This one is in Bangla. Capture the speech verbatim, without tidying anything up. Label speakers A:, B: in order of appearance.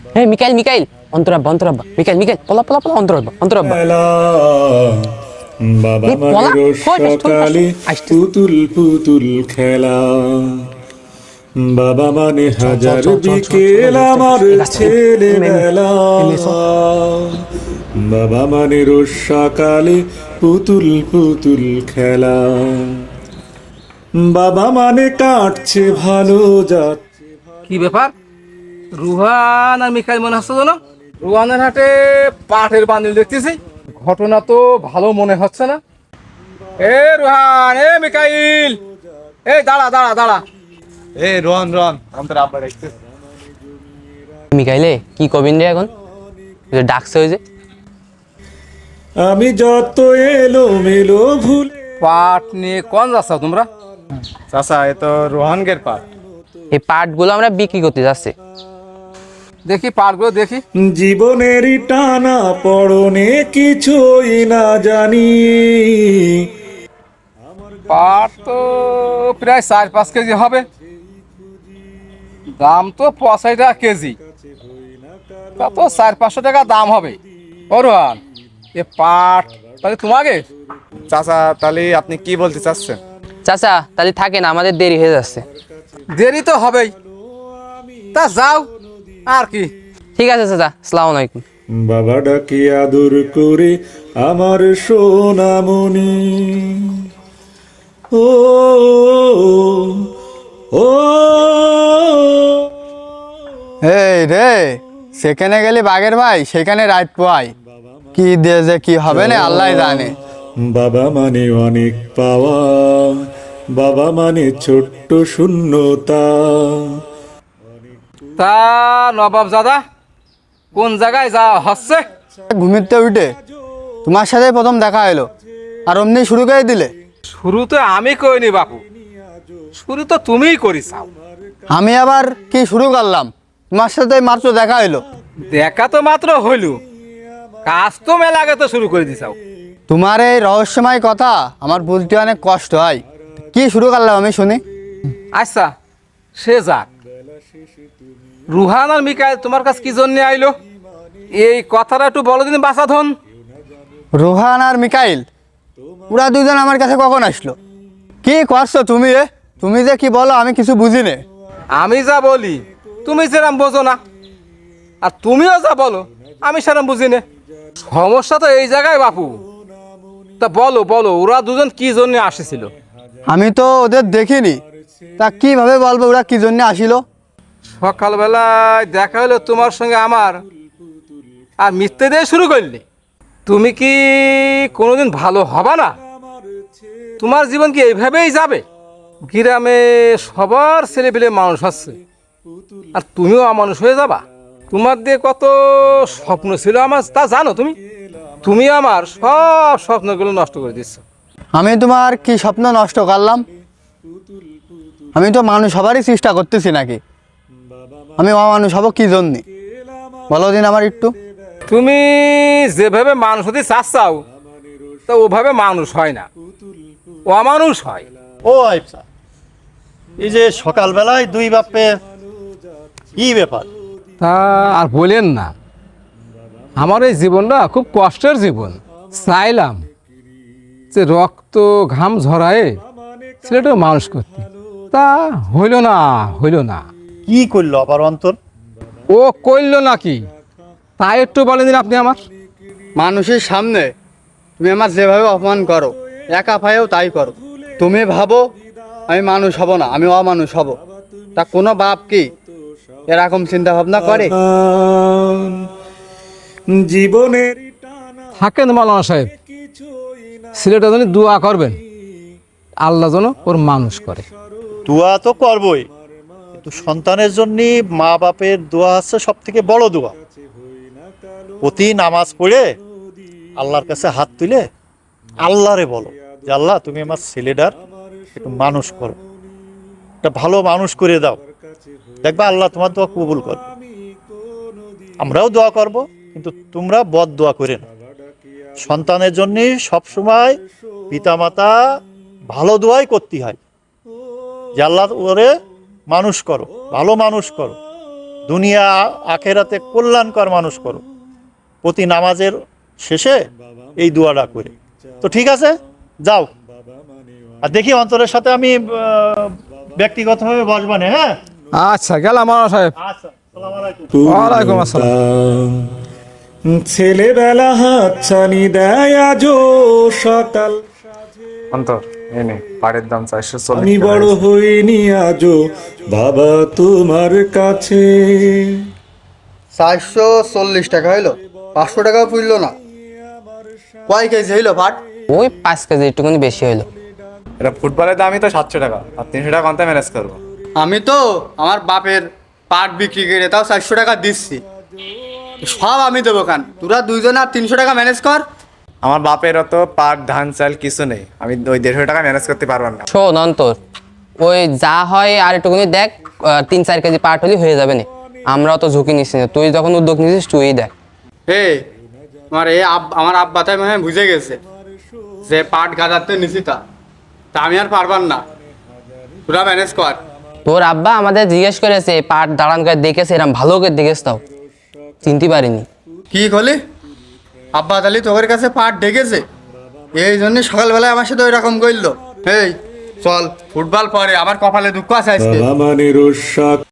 A: হে মিকাইল মিকাইল অন্তরাব্বা অন্তরাব্বা মিকাইল মিকাইল পলা পলা পলা অন্তরাব্বা অন্তরাব্বা
B: বাবা মায়ের সকালে পুতুল পুতুল খেলা বাবা মানে হাজার বিকেল আমার ছেলেবেলা বাবা মানে রোজ সকালে পুতুল পুতুল খেলা বাবা মানে কাটছে ভালো যাচ্ছে।
C: কি ব্যাপার রুহান আর মিকাইল মনে হচ্ছে না? রুহানের হাটে পাটের বান্ডিল দেখতেছি, ঘটনা তো ভালো মনে হচ্ছে না। এ রুহান, এ মিকাইল, এই দাঁড়া দাঁড়া দাঁড়া।
D: এ রোহন রোহন আমাদের আব্বা দেখতেছে।
A: মিকাইলে কি কবিন রে এখন ডাকছে ওই যে
B: আমি যত এলো মেলো ভুলে
C: পাট নিয়ে কোন যাচ্ছ তোমরা?
D: চাচা এ তো রোহনগের পাট।
A: এই পাটগুলো আমরা বিক্রি করতে যাচ্ছি।
C: দেখি পাটগুলো দেখি।
B: জীবনেরই টানা পড়নে কিছুই না জানি
C: পাট তো প্রায় চার পাঁচ কেজি হবে, দাম তো পঁচাশি টাকা কেজি, তা তো চার পাঁচশো টাকা দাম হবে। ও রোহান, এ পাট তাহলে তোমাকে?
D: চাচা তাহলে আপনি কি বলতে চাচ্ছেন?
A: চাচা তাহলে থাকেন, আমাদের দেরি হয়ে যাচ্ছে।
C: দেরি তো হবেই, তা যাও আর কি।
A: ঠিক আছে চাচা, আসসালামু আলাইকুম।
B: বাবা ডাকি আদর করে আমার সোনামণি ও ও
E: এই রে, সেখানে গেলি বাগের ভাই, সেখানে রাত পাই কি দিয়ে যে কি হবে না আল্লাহ জানে।
B: বাবা মানে অনেক পাওয়া, বাবা মানে ছোট্ট শূন্যতা।
C: তা নবাব দাদা কোন জায়গায় যাওয়া হচ্ছে?
E: ঘুমিতে উঠে তোমার সাথে প্রথম দেখা এলো, আর অমনি শুরু করে দিলে।
C: শুরু তো আমি করিনি বাপু, শুরু তো তুমিই করিসাও।
E: আমি আবার কি শুরু করলাম? তোমার সাথে মাত্র দেখা এলো।
C: দেখা তো মাত্র হইল, কাজ তো মেলা আগে তো শুরু করে দিছাও।
E: তোমার এই রহস্যময় কথা আমার বলতে অনেক কষ্ট হয়। কি শুরু করলাম আমি শুনি।
C: আচ্ছা সে যাক, রুহান আর মিকাইল তোমার কাছে কি জন্য আইলো এই কথাটা একটু বলো দিন বাসা ধন।
E: রোহান আর মিকাইল ওরা দুজন আমার কাছে কখন আসলো? কি করছো তুমি? এ তুমি যে কি বলো আমি কিছু বুঝি নে।
C: আমি যা বলি তুমি সেরম বোঝো না, আর তুমিও যা বলো আমি সেরম বুঝি না। সমস্যা তো এই জায়গায় বাপু। তা বলো বলো ওরা দুজন কি জন্য আসেছিল?
E: আমি তো ওদের দেখিনি, তা কিভাবে বলবো ওরা কি জন্য আসিল?
C: সকালবেলায় দেখা হলো তোমার সঙ্গে আমার, আর মিথ্যে দিয়ে শুরু করলে। তুমি কি কোনোদিন ভালো হবে না? তোমার জীবন কি এইভাবেই যাবে? গ্রামে সবার ছেলেপিলে মানুষ হচ্ছে, আর তুমিও অমানুষ হয়ে যাবা। তোমার দিয়ে কত স্বপ্ন ছিল আমার, তা জানো তুমি? তুমি আমার সব স্বপ্নগুলো নষ্ট করে দিচ্ছ।
E: আমি তোমার কি স্বপ্ন নষ্ট করলাম? আমি তো মানুষ হবারই চেষ্টা করতেছি নাকি? আমি অমানুষ হব কি জন্যে বলো দিন আমার একটু।
C: তুমি যেভাবে মানুষ হতে চাচ্ছাও তা ওভাবে মানুষ হয় না, অমানুষ হয়।
F: ও আইপসা, এই যে সকালবেলায় দুই বাপে কি ব্যাপার?
C: তা আর বলেন না, আমার এই জীবনটা খুব কষ্টের জীবন। চাইলাম যে রক্ত ঘাম ঝরায়ে ছেলেটা মানুষ করতে, তা হইল না হইল না।
F: কি করলো আবার অন্তর?
C: ও করল নাকি তাই একটু বলেন দিন আপনি আমার।
E: মানুষের সামনে তুমি আমার যেভাবে অপমান করো, একা পায়েও তাই করো। তুমি ভাবো আমি মানুষ হব না, আমি অমানুষ হব। তা কোনো বাপ কি এরকম চিন্তা ভাবনা করে?
B: জীবনের
C: থাকেন মাওলানা সাহেব, ছেলেটা যেন দোয়া করবেন আল্লাহ যেন ওর মানুষ করে।
F: দোয়া তো করবই, কিন্তু সন্তানের জন্য মা বাপের দোয়া হচ্ছে সব থেকে বড় দোয়া। প্রতি নামাজ পড়ে আল্লাহর কাছে হাত তুলে আল্লাহরে বলো যে আল্লাহ তুমি আমার ছেলেটার একটু মানুষ করো, একটা ভালো মানুষ করে দাও, দেখবা আল্লাহ তোমার দোয়া কবুল করবে। আমরাও দোয়া করব, কিন্তু তোমরা বদ দোয়া করে না। সন্তানের জন্য সবসময় পিতামাতা ভালো দোয়াই করতে হয় যে আল্লাহ ওরে মানুষ করো, ভালো মানুষ করো, দুনিয়া আখেরাতে কল্যাণকর মানুষ করো। প্রতি নামাজের শেষে এই দোয়াটা করে। তো ঠিক আছে, যাও। আর দেখি অন্তরের সাথে আমি আহ, ব্যক্তিগতভাবে বসবানে। হ্যাঁ,
C: আচ্ছা গেলাম মাওলানা সাহেব।
F: আচ্ছা, আসসালামু আলাইকুম।
C: ওয়ালাইকুম আসসালাম।
B: ছেলেবেলা হাতছানি দেয় আজও সকাল,
D: অন্তর এই নে পাড়ের দাম চারশো চল্লিশ
B: আমি
D: টাকা
B: বড়
D: হয়েছে।
B: হইনি আজও বাবা তোমার কাছে।
E: চারশো চল্লিশ টাকা হইলো, পাঁচশো টাকাও পুরলো না। কয় কেজি হইলো পাট?
A: ওই পাঁচ কেজি একটুখানি বেশি হইলো।
D: এটা ফুটবলের দামই তো সাতশো টাকা, আর তিনশো টাকা কত ম্যানেজ করবো?
E: আমি তো আমার বাপের পাট বিক্রি করে তাও চারশো টাকা দিচ্ছি, সব আমি দেবো কান। তোরা দুইজন আর তিনশো টাকা ম্যানেজ কর।
D: আমার বাপেরও তো পাট ধান চাল কিছু নেই, আমি ওই দেড়শো টাকা ম্যানেজ করতে পারবো না।
A: শোন অন্তর, ওই যা হয় আর একটুখানি দেখ, আহ, তিন চার কেজি পাট হলে হয়ে যাবে না। আমরাও তো ঝুঁকি নিচ্ছি না, তুই যখন উদ্যোগ নিছিস তুই দেখ।
E: হে আমার এ আব- আমার আব্বা তাই মনে হয় বুঝে গেছে যে পাট গাজাতে নিছি, তা তা আমি আর পারবার না। তোরা ম্যানেজ কর।
A: তোর আব্বা আমাদের জিজ্ঞেস করেছে পাট দাঁড়ান করে দেখেছে, এরম ভালো করে দেখেছ তাও চিনতে পারিনি।
E: কি করলি? আব্বা তালি তোর কাছে পাট ডেকেছে, এই জন্য সকালবেলায় আমার সাথে ওই রকম করলো। এই চল ফুটবল পরে, আমার কপালে দুঃখ আছে আজকে।
B: বাবা মানে রোজ